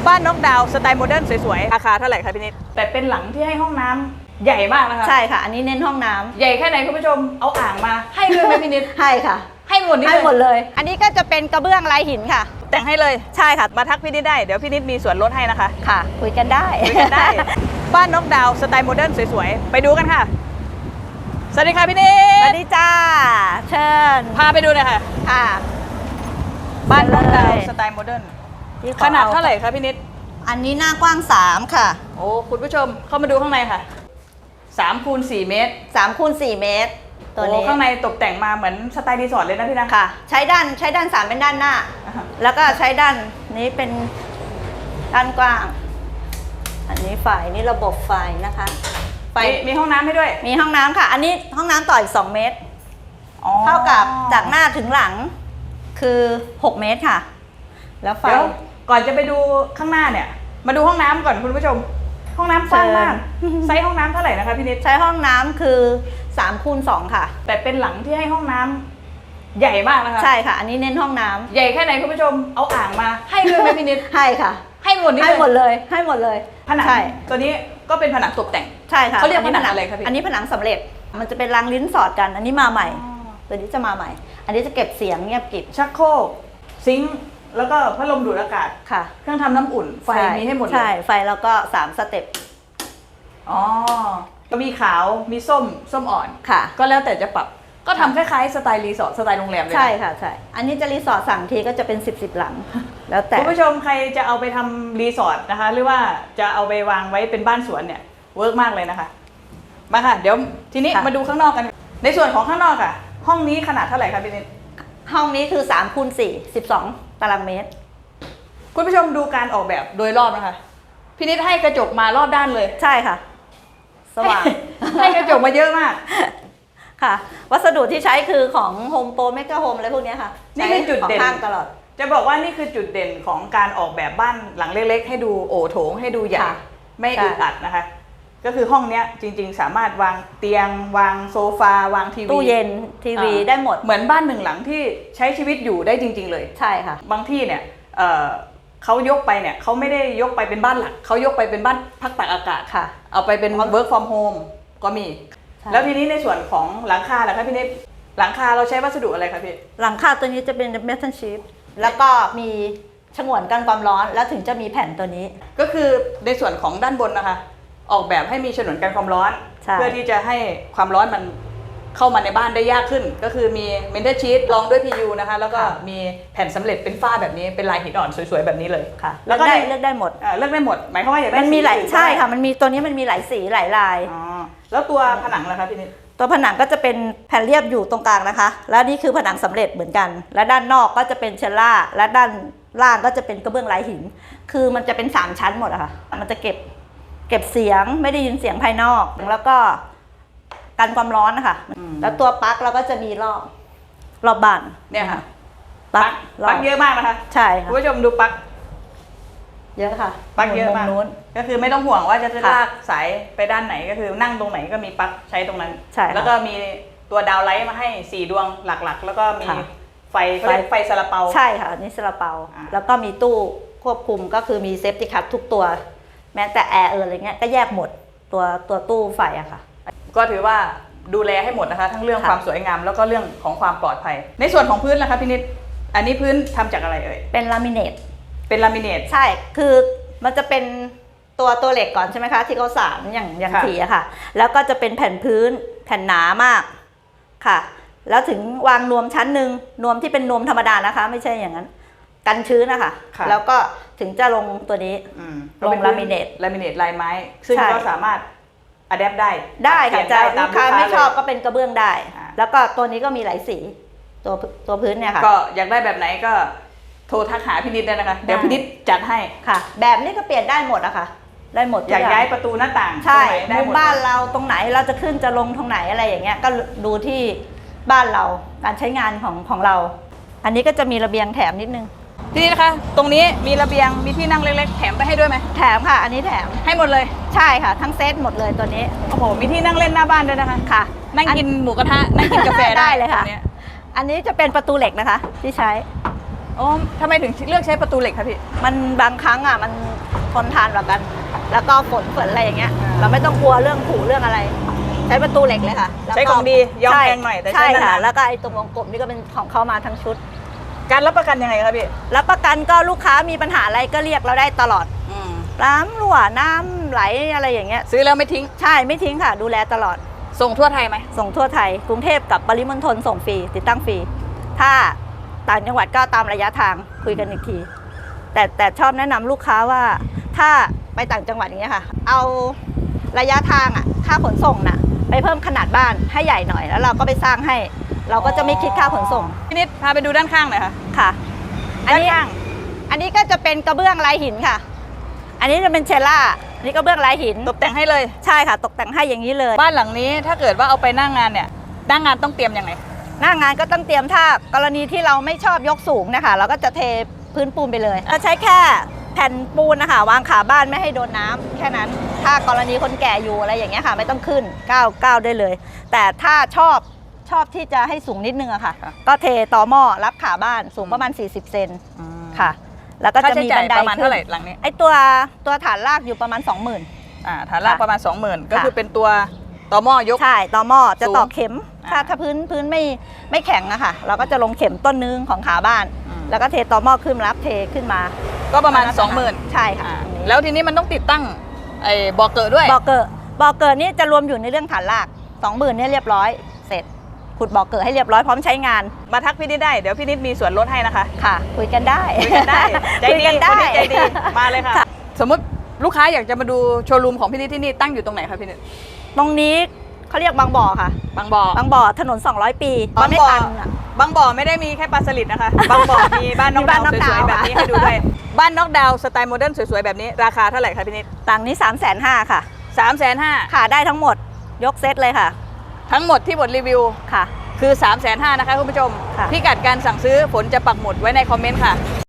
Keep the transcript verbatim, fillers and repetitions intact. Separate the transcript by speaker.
Speaker 1: บ้านนกดาวสไตล์โมเดิร์นสวยๆราคาเท่าไหร่คะพี่นิดแต่เป็นหลังที่ให้ห้องน้ำใหญ่มากนะคะ
Speaker 2: ใช่ค่ะอันนี้เน้นห้องน้ำ
Speaker 1: ใหญ่แค่ไหนคุณผู้ชมเอาอ่างมาให้ด้วยไหมพี่นิด
Speaker 2: ให้ค่ะ
Speaker 1: ให้หมดนี่
Speaker 2: ให้หมดเลยอันนี้ก็จะเป็นกระเบื้องลายหินค่ะ
Speaker 1: แต่งให้เลย
Speaker 2: ใช่ค่ะ
Speaker 1: มาทักพี่นิดได้เดี๋ยวพี่นิดมีส่วนลดให้นะคะ
Speaker 2: ค่ะคุยกันได้
Speaker 1: คุยกันได้ บ้านนกดาวสไตล์โมเดิร์นสวยๆไปดูกันค่ะสวัสดีค่ะพี่นิด
Speaker 2: สวัสดีจ้าเชิญ
Speaker 1: พาไปดูหน่อยค่ะ
Speaker 2: ค่ะ
Speaker 1: บ้านนกดาวสไตล์โมเดิร์นขนาดเท่าไหร่คะพี่นิด
Speaker 2: อันนี้หน้ากว้างสามค่ะ
Speaker 1: โอ้คุณผู้ชมเข้ามาดูข้างในค่ะสามคูณสี่เมตร
Speaker 2: สามคูณสี่เมตร
Speaker 1: ตัวนี้ข้างในตกแต่งมาเหมือนสไตล์รีสอร์ทเลยนะพี่นะ
Speaker 2: ค่ะใช้ด้านใช้ด้านสามเป็นด้านหน้าแล้วก็ใช้ด้านนี้เป็นด้านกว้างอันนี้ไฟนี่ระบบไฟนะคะ
Speaker 1: ไฟมีห้องน้ำให้ด้วย
Speaker 2: มีห้องน้ำค่ะอันนี้ห้องน้ำต่ออีกสองเมตรเท่ากับจากหน้าถึงหลังคือหกเมตรค่ะแล้วไฟ
Speaker 1: ก่อนจะไปดูข้างหน้าเนี่ยมาดูห้องน้ำก่อนคุณผู้ชมห้องน้ำกว้างมากไซส์ห้องน้ำเท่าไหร่นะคะพี่นิด
Speaker 2: ใช้ห้องน้ำคือสามคูณสองค่ะ
Speaker 1: แต่เป็นหลังที่ให้ห้องน้ำใหญ่มากนะคะ
Speaker 2: ใช่ค่ะอันนี้เน้นห้องน้ำ
Speaker 1: ใหญ่แค่ไหนคุณผู้ชมเอาอ่างมาให้ด้วยไหมพี่นิด
Speaker 2: ให้ค่ะ
Speaker 1: ให้หมดนี่
Speaker 2: ให้หมดเลยให้หมดเลย
Speaker 1: ผนังตัวนี้ก็เป็นผนังตกแต่ง
Speaker 2: ใช่ค่ะ
Speaker 1: เขาเรียกผนังอะไรครับพี่
Speaker 2: อันนี้ผนังสำเร็จมันจะเป็นรางลิ้นสอดกันอันนี้มาใหม่ตัวนี้จะมาใหม่อันนี้จะเก็บเสียงเงียบกริบ
Speaker 1: ชักโครกซิงค์แล้วก็พัดลมดูดอากาศ
Speaker 2: ค่ะ
Speaker 1: เครื่องทำน้ำอุ่นไฟมีให้หมดเลย
Speaker 2: ใช่ไฟแล้วก็สามสเต็ป
Speaker 1: อ๋อก็มีขาวมีส้มส้มอ่อน
Speaker 2: ค่ะ
Speaker 1: ก็แล้วแต่จะปรับก็ทำคล้ายๆสไตล์รีสอร์ทสไตล์โรงแรมเลย
Speaker 2: ใช่ค่ะใช่อันนี้จะรีสอร์ทสั่งทีก็จะเป็นสิบสิบหลังแล้วแต่
Speaker 1: คุณผู้ชมใครจะเอาไปทำรีสอร์ทนะคะหรือว่าจะเอาไปวางไว้เป็นบ้านสวนเนี่ยเวิร์กมากเลยนะคะมาค่ะเดี๋ยวทีนี้มาดูข้างนอกกันในส่วนของข้างนอกค่ะห้องนี้ขนาดเท่าไหร่คะพี่นิด
Speaker 2: ห้องนี้คือสามคูณสี่ สิบสองตารางเมตร
Speaker 1: คุณผู้ชมดูการออกแบบโดยรอบนะคะพี่นิดให้กระจกมารอบด้านเลย
Speaker 2: ใช่ค่ะสว่าง
Speaker 1: ให้กระจกมาเยอะมาก
Speaker 2: ค่ะวัสดุที่ใช้คือของโฮมโปรเมกะโฮมอะไรพวกนี้ค่ะ
Speaker 1: นี่เป็นจุดเด่น
Speaker 2: ตลอด
Speaker 1: จะบอกว่านี่คือจุดเด่นของการออกแบบบ้านหลังเล็กๆให้ดูโอโถงให้ดูใหญ่ไม่อึดอัดนะคะก็คือห้องนี้จริงๆสามารถวางเตียงวางโซฟาวางทีวี
Speaker 2: ตู้เย็นทีวีได้หมด
Speaker 1: เหมือนบ้านหนึ่งหลังที่ใช้ชีวิตอยู่ได้จริงๆเลย
Speaker 2: ใช่ค่ะ
Speaker 1: บางที่เนี่ยเอ่อเขายกไปเนี่ยเขาไม่ได้ยกไปเป็นบ้านหลักเขายกไปเป็นบ้านพักตากอากาศ
Speaker 2: ค่ะ
Speaker 1: เอาไปเป็น work from home ก็มีแล้วทีนี้ในส่วนของหลังคาล่ะคะพี่นิดหลังคาเราใช้วัสดุอะไรคะพี่
Speaker 2: หลังคาตัวนี้จะเป็นเมทัลชีทแล้วก็มีฉนวนกันความร้อนแล้วถึงจะมีแผ่นตัวนี้
Speaker 1: ก็คือในส่วนของด้านบนนะคะออกแบบให้มีฉนวนกันความร้อนเพื่อที่จะให้ความร้อนมันเข้ามาในบ้านได้ยากขึ้นก็คือมีเมทัลชีทรองด้วย พี ยู นะคะแล้วก็มีแผ่นสำเร็จเป็นฝ้าแบบนี้เป็นลายหินอ่อนสวยๆแบบนี้เลย
Speaker 2: ค่ะแล้วก็ได้เลือกได้หมด
Speaker 1: เลือกได้หมดหมายความว่าอยากได้
Speaker 2: มันมีหลายใช่ค่ะมันมีตัวนี้มันมีหลายสีหลายลาย
Speaker 1: อ๋อแล้วตัวผนังล่ะคะพี่นิด
Speaker 2: ตัวผนังก็จะเป็นแผ่นเรียบอยู่ตรงกลางนะคะแล้วนี่คือผนังสำเร็จเหมือนกันและด้านนอกก็จะเป็นเชลล่าและด้านล่างก็จะเป็นกระเบื้องลายหินคือมันจะเป็นสามชั้นหมดอะค่ะมันจะเก็บเก็บเสียงไม่ได้ยินเสียงภายนอกแล้วก็กันความร้อนนะคะแล้วตัวปลั๊กเราก็จะมีรอบรอบบ้าน
Speaker 1: เนี่ยค่ะปลั๊กปลั๊กเยอะมากนะคะ
Speaker 2: ใช่ค่ะ
Speaker 1: คุณผู้ชมดูปลั๊ก
Speaker 2: เยอะค่ะ
Speaker 1: ปลั๊กเยอะมากก็คือไม่ต้องห่วงว่าจะลากสายไปด้านไหนก็คือนั่งตรงไหนก็มีปลั๊กใช้ตรงนั้น
Speaker 2: ใช่
Speaker 1: แล้วก็มีตัวดาวไลท์มาให้สี่ดวงหลักๆแล้วก็มีไฟไฟไฟซาลาเปา
Speaker 2: ใช่ค่ะนี่ซาลาเปาแล้วก็มีตู้ควบคุมก็คือมีเซฟตี้คัททุกตัวแม้แต่แอร์เอออะไรเงี้ยก็แยกหมดตัวตัวตู้ไฟอะค่ะ
Speaker 1: ก็ถือว่าดูแลให้หมดนะคะทั้งเรื่องความสวยงามแล้วก็เรื่องของความปลอดภัยในส่วนของพื้นล่ะคะพี่นิดอันนี้พื้นทำจากอะไรเอ่ย
Speaker 2: เป็นลามิเนต
Speaker 1: เป็นลามิเนต
Speaker 2: ใช่คือมันจะเป็นตัวตัวเหล็กก่อนใช่ไหมคะที่เขาสานอย่างอย่างทีอะค่ะแล้วก็จะเป็นแผ่นพื้นแผ่นหนามากค่ะแล้วถึงวางนวมชั้นหนึ่งนวมที่เป็นนวมธรรมดานะคะไม่ใช่อย่างนั้นกันชื้นนะคะแล้วก็ถึงจะลงตัวนี้ลงลามิเนต
Speaker 1: ลามิเนตลายไม้ซึ่งก็สามารถอะแดปได้
Speaker 2: ได้ค่ะจะลูกค้าไม่ชอบก็เป็นกระเบื้องได้แล้วก็ตัวนี้ก็มีหลายสีตัวตัวพื้นเนี่ยค่ะ
Speaker 1: ก็อยากได้แบบไหนก็โทรทักหาพี่นิดได้นะคะเดี๋ยวพี่นิดจัดให้
Speaker 2: ค่ะแบบนี้ก็เปลี่ยนได้หมดอะค่ะได้หมด
Speaker 1: อยากย้ายประตูหน้าต่าง
Speaker 2: ใช่มุมบ้านเราตรงไหนเราจะขึ้นจะลงตรงไหนอะไรอย่างเงี้ยก็ดูที่บ้านเราการใช้งานของของเราอันนี้ก็จะมีระเบียงแถมนิดนึง
Speaker 1: ที่นี่นะคะตรงนี้มีระเบียงมีที่นั่งเล็กๆแถมไปให้ด้วยไหม
Speaker 2: แถมค่ะอันนี้แถม
Speaker 1: ให้หมดเลย
Speaker 2: ใช่ค่ะทั้งเซตหมดเลยตัวนี้
Speaker 1: โอ้โหมีที่นั่งเล่นหน้าบ้านด้วยนะคะ
Speaker 2: ค่ะ
Speaker 1: นั่งกินหมูกระทะนั่งกินกาแฟ
Speaker 2: ได้เลยค่ะอันนี้จะเป็นประตูเหล็กนะคะที่ใช้
Speaker 1: อ๋อทำไมถึงเลือกใช้ประตูเหล็กคะพี่
Speaker 2: มันบางครั้งอ่ะมันทนทานกว่ากัน แล้วก็ฝนฝนอะไรอย่างเงี้ย เราไม่ต้องกลัวเรื่องผูเรื่องอะไร ใช้ประตูเหล็กเลยค่ะแล้วก็
Speaker 1: ใช้ของดียอมแพงหน่อยแต่ใช้
Speaker 2: ใช่
Speaker 1: นา
Speaker 2: ค่ะ
Speaker 1: น
Speaker 2: แล้วก็ไอ้ตรงวงกลมนี่ก็เป็นของเขามาทั้งชุด
Speaker 1: ๆการรับประกันยังไงครับพี่
Speaker 2: รับประกันก็ลูกค้ามีปัญหาอะไรก็เรียกเราได้ตลอด
Speaker 1: อืม
Speaker 2: น้ำรั่วน้ำไหลอะไรอย่างเงี้ย
Speaker 1: ซื้อแล้วไม่ทิ้ง
Speaker 2: ใช่ไม่ทิ้งค่ะ ดูแลตลอด
Speaker 1: ส่งทั่วไทยไหม
Speaker 2: ส่งทั่วไทยกรุงเทพกับปริมณฑลส่งฟรีติดตั้งฟรีถ้าต่างจังหวัดก็ตามระยะทางคุยกันอีกที แต่แต่ชอบแนะนำลูกค้าว่าถ้าไปต่างจังหวัดอย่างเงี้ยค่ะ เอาระยะทางอ่ะค่าขนส่งน่ะไปเพิ่มขนาดบ้านให้ใหญ่หน่อยแล้วเราก็ไปสร้างให้ เราก็จะไม่คิดค่าขนส่ง
Speaker 1: พี่นิดพาไปดูด้านข้างหน่อยค่ะ
Speaker 2: ค่ะ อัน
Speaker 1: ด้าน
Speaker 2: นี้
Speaker 1: ข้าง
Speaker 2: อันนี้ก็จะเป็นกระเบื้องลายหินค่ะ อันนี้จะเป็นเชลล่าอันนี้กระเบื้องลายหิน
Speaker 1: ตกแต่งให้เลย
Speaker 2: ใช่ค่ะ ตกแต่งให้อย่างนี้เลย
Speaker 1: บ้านหลังนี้ถ้าเกิดว่าเอาไปหน้างงานเนี่ยหน้างงานต้องเตรียมยังไง
Speaker 2: หน้างานก็ต้องเตรียมถ้ากรณีที่เราไม่ชอบยกสูงนะคะเราก็จะเทพื้นปูนไปเลยก็ใช้แค่แผ่นปูนนะคะวางขาบ้านไม่ให้โดนน้ำแค่นั้น ถ้ากรณีคนแก่อยู่อะไรอย่างเงี้ยค่ะ ไม่ต้องขึ้นก้าวก้าวได้เลย แต่ถ้าชอบชอบที่จะให้สูงนิดนึงอะค่ะ
Speaker 1: ค่ะ
Speaker 2: ก็เทต่อหม้อรับขาบ้านสูงประมาณสี่สิบเซนค่ะ แล้วก็
Speaker 1: ค่า
Speaker 2: จะ
Speaker 1: ใช้
Speaker 2: มี
Speaker 1: จ่า
Speaker 2: บั
Speaker 1: ย
Speaker 2: นได
Speaker 1: ประมาณ
Speaker 2: ขึ้
Speaker 1: เท่าน ไหร่หลังนี้
Speaker 2: ไอตัวตัวฐานรากอยู่ประมาณ สองหมื่น
Speaker 1: อ่าฐานราก
Speaker 2: ค่ะ
Speaker 1: ประมาณ สองหมื่น ก็
Speaker 2: ค่ะ
Speaker 1: คือเป็นตัวต่อหม้อยก
Speaker 2: ใช่ต่อหม้อจะ
Speaker 1: สูง
Speaker 2: ต่อเข็ม ถ้า
Speaker 1: อ่า
Speaker 2: ถ้าพื้นพื้นไม่ไม่แข็งอะค่ะ เราก็จะลงเข็มต้นนึงของขาบ้าน
Speaker 1: อืม
Speaker 2: แล้วก็เทต่อหม้อขึ้นรับเทขึ้นมา
Speaker 1: ก็ประมาณ
Speaker 2: แล้ว
Speaker 1: สองหมื่น
Speaker 2: ใช่ค่ะ
Speaker 1: แล้วทีนี้มันต้องติดตั้งไอ้บ่อเกิดด้วย
Speaker 2: บ่อเกิดบ่อเกิดนี่จะรวมอยู่ในเรื่องฐานรากสองหมื่นเนี่ยเรียบร้อยเสร็จขุดบ่อเกิดให้เรียบร้อยพร้อมใช้งาน
Speaker 1: มาทักพี่นิดได้เดี๋ยวพี่นิดมีส่วนลดให้นะคะ
Speaker 2: ค่ะ คุยกันได้
Speaker 1: คุยกันได้ใจ
Speaker 2: คุย
Speaker 1: ดี
Speaker 2: กัน
Speaker 1: คน
Speaker 2: ได้
Speaker 1: นี้ใจดีมาเลยค่ะ
Speaker 2: ค่ะ
Speaker 1: สมมติลูกค้าอยากจะมาดูโชว์รูมของพี่นิดที่นี่ตั้งอยู่ตรงไหนคะพี่นิด
Speaker 2: ตรงนี้เขาเรียกบางบ่อค่ะ
Speaker 1: บางบ่อบ
Speaker 2: างบ่อถนนสองร้อยปี
Speaker 1: บาง
Speaker 2: ไม่
Speaker 1: บ่อ
Speaker 2: ตันอะ
Speaker 1: บางบ่อไม่ได้มีแค่ปลาสลิดนะคะบางบ่อมีบ้านนอก
Speaker 2: มีบ้านน
Speaker 1: ดา
Speaker 2: อ
Speaker 1: ว
Speaker 2: ก
Speaker 1: สวยๆ
Speaker 2: ดาว
Speaker 1: แบบนี้ให้ดูด้วยบ้านนอกดาวสไตล์โมเดิร์นสวยๆแบบนี้ราคาเท่าไหร่คะพี่นิด
Speaker 2: ต่างนี้สามแสนห้าค่ะ
Speaker 1: สามแสนห้า
Speaker 2: ค่ะได้ทั้งหมดยกเซตเลยค่ะ
Speaker 1: ทั้งหมดที่บทรีวิว
Speaker 2: ค่ะ
Speaker 1: คือ สามแสนห้า นะคะคุณผู้ชม
Speaker 2: ค่ะ
Speaker 1: พิกัดการสั่งซื้อฝนจะปักหมุดไว้ในคอมเมนต์ค่ะ